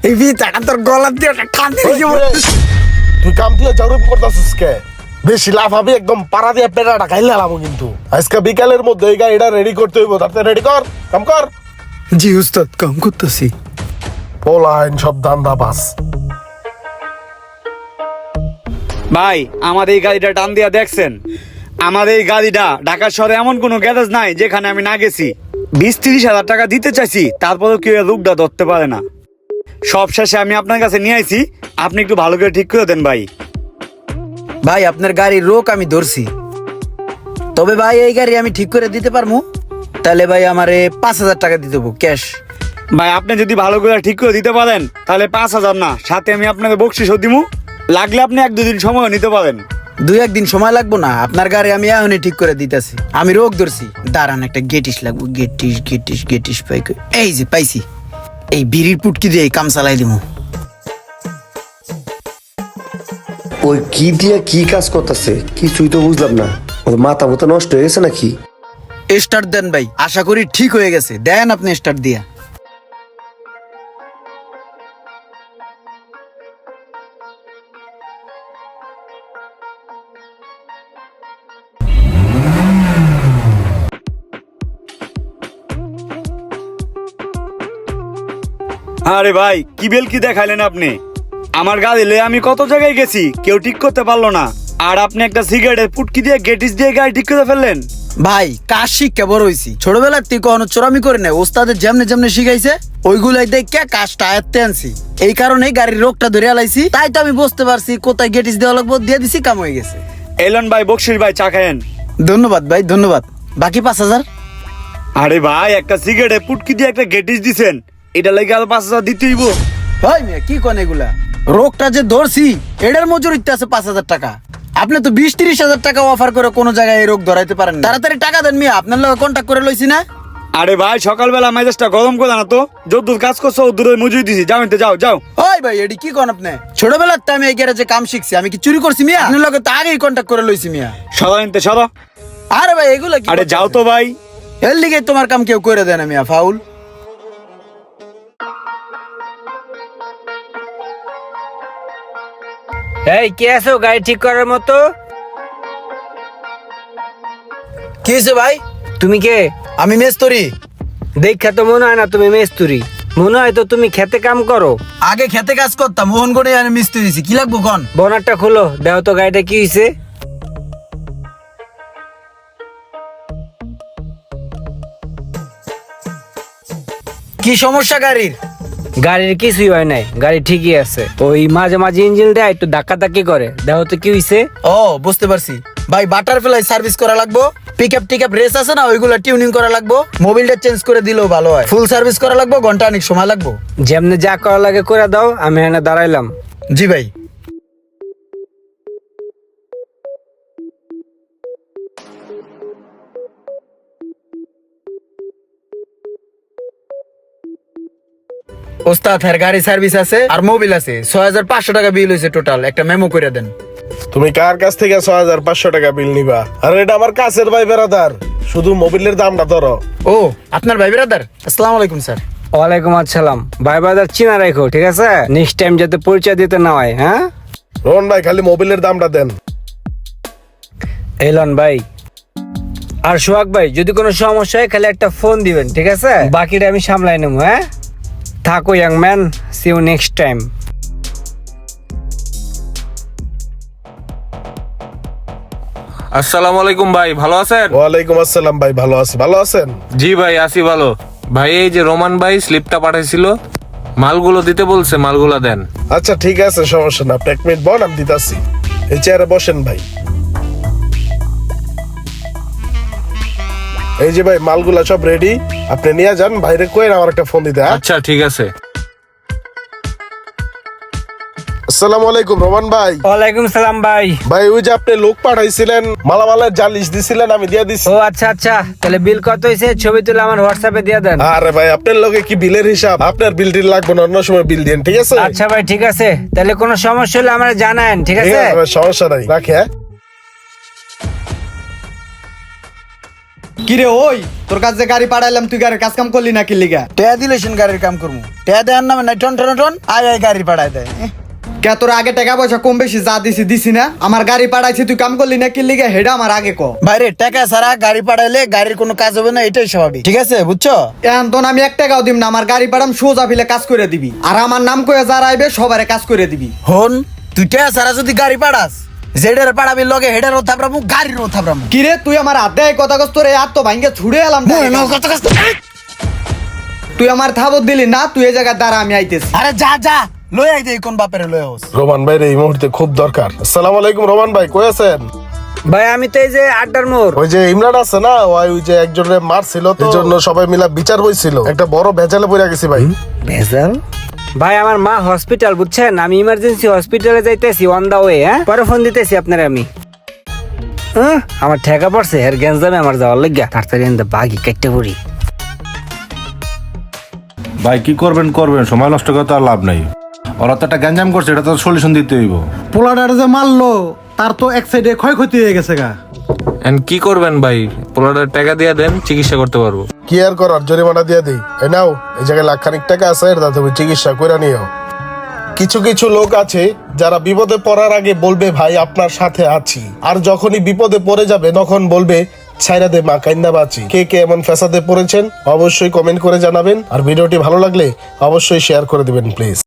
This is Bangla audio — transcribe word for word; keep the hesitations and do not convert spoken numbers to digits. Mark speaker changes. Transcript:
Speaker 1: এই ভিতাটা তোর গলা দিয়ে টান দিয়ে কি বল
Speaker 2: তুই কাম দিয়ে জরুরি করতেছিস কে? বেশি লাভ হবে একদম পাড়া দিয়ে পেটাটা খাইলে লাভ কিন্তু। আজকে বিকালের মধ্যে এই গাড়িটা রেডি করতে হইব। তাতে রেডি কর, কাম কর।
Speaker 1: জি উস্তাদ, কাম করতেছি।
Speaker 2: পোলাইন সব দান্দা বাস।
Speaker 3: ভাই আমাদের এই গাড়িটা টান দিয়া দেখছেন? আমাদের এই গাড়িটা ঢাকা শহরে এমন কোনো গ্যারেজ নাই যেখানে আমি না গেছি। বিশ তিরিশ হাজার টাকা দিতে চাইছি, তারপরেও কেউ লোকটা ধরতে পারে না। সব শেষে আমি আপনার কাছে নিয়ে আইছি, আপনি একটু ভালো করে ঠিক করে দেন ভাই।
Speaker 1: ভাই আপনার গাড়ির রোক আমি ধরছি, তবে ভাই এই গাড়ি আমি ঠিক করে দিতে পারবো। তাহলে ভাই আমারে পাঁচ হাজার টাকা দিতে হবো ক্যাশ।
Speaker 3: ভাই আপনি যদি ভালো করে ঠিক করে দিতে পারেন তাহলে পাঁচ হাজার না, সাথে আমি আপনাকে বকশিসও দিমু। লাগলে আপনি এক দুদিন সময় নিতে পারেন।
Speaker 1: দুই একদিন সময় লাগবো না, আপনার গাড়ি আমি এখনই ঠিক করে দিতেছি। আমি রোগ ধরছি, দাঁড়ান একটা গেটিস লাগবো। গেটিস গেটিস গেটিস পাই কই? এই যে পাইছি। এই বিড়ির পুটকি দিয়ে কাম চালাই দিমু।
Speaker 4: ওই কি দিয়া কি কাজ করতেছে কিছুই তো বুঝলাম না। ওর মাথা মতো নষ্ট হয়ে গেছে নাকি?
Speaker 1: স্টার্ট দেন ভাই, আশা করি ঠিক হয়ে গেছে। দেন আপনি স্টার্ট দিয়া।
Speaker 3: আরে ভাই কি বেল কি দেখাইলেন আপনি? আমার গাড়ি লয়ে আমি কত জায়গায় গেছি, কেউ ঠিক করতে পারলো না। আর আপনি একটা সিগারেটের পুটকি দিয়ে গেটিস দিয়ে গাড়ি ঠিক করে ফেললেন।
Speaker 1: ভাই কাজ শিক্ষা বড় হইছি, ছোটবেলার থেকে কখনো চোরামি করে নাই। ওস্তাদের যেমনে যেমনে শিখাইছে ওইগুলাই দেখে কাজটা আয়ত্তে আনছি। এই কারণে গাড়ির রোগটা ধরে আলাইছি, তাই তো আমি বুঝতে পারছি কোথায় গেটিস দেওয়া লাগবো, দিয়ে দিছি, কাম হয়ে গেছে।
Speaker 3: এলন ভাই, বকশিস ভাই, চা খায়েন।
Speaker 1: ধন্যবাদ ভাই, ধন্যবাদ। বাকি পাঁচ হাজার?
Speaker 3: আরে ভাই একটা সিগারেটের পুটকি দিয়ে একটা গেটিস দিছেন, এটা লাগে আর পাঁচ হাজার দিতে হইব?
Speaker 1: ভাই মিয়া কি কোন এগুলা? রোগটা যে ধরছি এটার মজুরিতে আছে পাঁচ হাজার টাকা। আপনি তো বিশ তিরিশ হাজার টাকা অফার করে কোনো জায়গায় এই রোগ ধরাইতে পারেন না। তাড়াতাড়ি টাকা দেন মিয়া, আপনার লগে কন্ট্যাক্ট করে লইছি না।
Speaker 3: আরে ভাই সকালবেলা মেজাজটা গরম করে না তো, যদ্দূর কাজ করছো দূরে মজুরি দিছি, যাও এতে যাও যাও।
Speaker 1: ওই ভাই এডি কি কোন আপনি? ছোটবেলার তো আমি এই গ্যারেজে কাম শিখছি, আমি কি চুরি করছি মিয়া? আপনার লগে তো আগেই কন্ট্যাক্ট করে লইছি মিয়া।
Speaker 3: সদা এনতে সদা।
Speaker 1: আরে ভাই এগুলা কি?
Speaker 3: আরে যাও তো ভাই।
Speaker 1: এর লিগে তোমার কাম কেউ করে দেয় না মিয়া, ফাউল।
Speaker 5: এই কে আছো গাড়ি ঠিক করার মতো?
Speaker 1: কি হয়েছে ভাই?
Speaker 5: তুমি কে?
Speaker 1: আমি মেস্তরি।
Speaker 5: দেখা তো মনে হয় না তুমি মেস্তুরি, মনে হয় তো তুমি খেতে কাম করো।
Speaker 1: আগে খেতে কাজ করতাম, মোহনগড়ে আমি মিস্ত্রি দিছি। কি লাগবো কোন?
Speaker 5: বনারটা খুলো, দেখো তো গাড়িটা কি হয়েছে।
Speaker 1: কি সমস্যা গাড়ির?
Speaker 5: গাড়ির কিছুই হয় নাই, গাড়ি ঠিকই আছে। ওই মাঝে মাঝে ইঞ্জিন দেয় একটু ধাক্কা ধাক্কি করে, দেখো তো কি হয়েছে।
Speaker 1: ও বুঝতে পারছি ভাই, বাটারফ্লাই সার্ভিস করা লাগবো। পিক আপ টিক আপ রেস আছে না, ওইগুলো টিউনিং করা লাগবো। মোবিলটা চেঞ্জ করে দিলেও ভালো হয়। ফুল সার্ভিস করা লাগবো, ঘন্টা অনেক সময় লাগবো।
Speaker 5: যেমনি যা করা লাগে করে দাও, আমি এখানে দাঁড়াইলাম।
Speaker 1: জি ভাই। ওস্তাদ হ্যাঁ গাড়ি সার্ভিস আছে আর মোবিল আছে। ছয় হাজার পাঁচশো টাকা বিল হয়েছে টোটাল। একটা মেমো করে দেন।
Speaker 2: তুমি কার কাছ থেকে ছয় হাজার পাঁচশো টাকা বিল নিবা? আর এটা আমার কাছের ভাই বেড়াদার, শুধু মোবিলের দামটা ধরো।
Speaker 1: ও আপনার ভাই ব্রাদার? আসসালামু আলাইকুম স্যার।
Speaker 5: ওয়ালাইকুম আসসালাম। ভাই বাজার চিনা রাখো, ঠিক আছে? নেক্সট টাইম যাতে পরিচয় দিতে না হয়। হ্যাঁ
Speaker 2: রোহন ভাই, খালি মোবিলের দামটা দেন।
Speaker 5: এলন ভাই আর সোহাগ ভাই, যদি কোনো সমস্যা হয় খালি একটা ফোন দিবেন, ঠিক আছে? বাকিটা আমি সামলাই নেবো। হ্যাঁ থাকো young man, see you next time.
Speaker 6: আসসালামু আলাইকুম ভাই, ভালো আছেন?
Speaker 2: ওয়ালাইকুম আসসালাম ভাই, ভালো আছি। ভালো আছেন?
Speaker 6: জি ভাই আছি ভালো। ভাই এই যে রোমান ভাই স্লিপটা পাঠাইছিল, মালগুলো দিতে বলছে, মালগুলো দেন।
Speaker 2: আচ্ছা ঠিক আছে, সমস্যা না। আপনি এক মিনিট বল, আমি দিতাছি। এই চেয়ারে বসেন ভাই। এই যে ভাই মালগুলা সব রেডি, আপনি নিয়ে যান। বাইরে কই আমার একটা ফোন দিতে।
Speaker 6: আচ্ছা ঠিক আছে।
Speaker 2: আসসালামু আলাইকুম রোমান ভাই।
Speaker 5: ওয়ালাইকুম সালাম ভাই।
Speaker 2: ভাই ওই যে আপনি লোক পাঠাইছিলেন, মালামালের জালিশ দিছিলেন, আমি দিয়ে দিছি।
Speaker 5: ও আচ্ছা আচ্ছা, তাহলে বিল কত হয়েছে ছবি তুলে আমার হোয়াটসঅ্যাপে দিয়ে দেন।
Speaker 2: আরে ভাই আপনার লগে কি বিলের হিসাব? আপনার বিল টিল লাগবে না, অন্য সময় বিল দিন, ঠিক আছে?
Speaker 5: আচ্ছা ভাই ঠিক আছে, তাহলে কোনো সমস্যা হলে আমার জানান, ঠিক
Speaker 2: ঠিক
Speaker 5: আছে?
Speaker 2: আছে ভাই, সমস্যা নাই, রাখি। হ্যাঁ
Speaker 7: কিরে ওই তোর কাছে গাড়ি পাঠাইলাম তুই গাড়ির কাজ কাম করলি না কি লিগা?
Speaker 1: টেয়া দিলে সেন গাড়ির কাম করবো, টেয়া দেওয়ার নামে নাই টন টন টন আয় আয় গাড়ি পাঠায় দেয়। এহ,
Speaker 7: কে তোর আগে টাকা পয়সা কম বেশি যা দিছি দিছি না? আমার গাড়ি পাঠাইছি তুই কাম করলি না কি লিগা হেডা আমার আগে ক।
Speaker 1: বাইরে টাকা ছাড়া গাড়ি পাঠাইলে গাড়ির কোনো কাজ হবে না, এটাই স্বাভাবিক, ঠিক আছে বুঝছো?
Speaker 7: এখন তো আমি এক টাকাও দিব না, আমার গাড়ি পাঠাম সোজা ফিলে কাজ করে দিবি, আর আমার নাম কয়ে যারা আইবে সবারে কাজ করে দিবি।
Speaker 1: হন তুই টেয়া ছাড়া যদি গাড়ি পাঠাস, যেটার পাঠাবি লগে হেডারও থাপড়ামু গাড়িরও থাপড়ামু।
Speaker 7: কিরে তুই আমার হাত দেয় কথা কস তোর এই হাত তো ভাঙ্গে ছুড়ে এলাম। তুই আমার থাবত দিলি না, তুই এই জায়গায় দাঁড়া আমি আইতেছি।
Speaker 1: আরে যা যা লই আই দে কোন বাপের লই হোস।
Speaker 2: রোমান ভাই এই মুহূর্তে খুব দরকার। আসসালামু আলাইকুম রোমান ভাই, কই আছেন?
Speaker 5: ভাই আমি তো এই যে আড্ডার মোড়।
Speaker 2: ওই যে ইমরান আছে না, ওই ওই যে একজনের মারছিল তো, এই জন্য সবাই মিলা বিচার হইছিল, একটা বড় ভেজালে পড়ে গেছি ভাই।
Speaker 5: ভেজাল? ভাই আমার মা হসপিটাল বুঝছেন, আমি ইমার্জেন্সি হসপিটালে যাইতেছি অন দা ওয়ে। হ্যাঁ পরে ফোন দিতেছি আপনার আমি। হ্যাঁ আমার ঠেকা পড়ছে এর গ্যাঞ্জামে আমার যাওয়ার লাগিয়া, তাড়াতাড়ি এনে বাগি কেটে পড়ি।
Speaker 8: ভাই কি করবেন করবেন, সময় নষ্ট করে তো আর লাভ নাই। ওরা তো একটা গ্যাঞ্জাম করছে, এটা তো সলিউশন দিতে হইব।
Speaker 9: পোলাডার যে মারলো তার তো এক সাইডে ক্ষয়ক্ষতি হয়ে গেছে গা।
Speaker 6: এন্ড কি করবেন ভাই, পোলাটার টাকা দিয়ে দেন, চিকিৎসা করতে পারবো।
Speaker 2: কি আর করার, জরিমানা দিয়ে দিই। এই নাও, এই জায়গায় লাখ খানিক টাকা আছে, এটা তুমি চিকিৎসা করে নিও। কিছু কিছু লোক আছে যারা বিপদে পড়ার আগে বলবে ভাই আপনার সাথে আছি, আর যখনই বিপদে পড়ে যাবে তখন বলবে ছাইরা দে মা কাইন্দা বাঁচি। কে কে এমন ফ্যাসাদে পড়েছেন অবশ্যই কমেন্ট করে জানাবেন, আর ভিডিওটি ভালো লাগলে অবশ্যই শেয়ার করে দিবেন প্লিজ।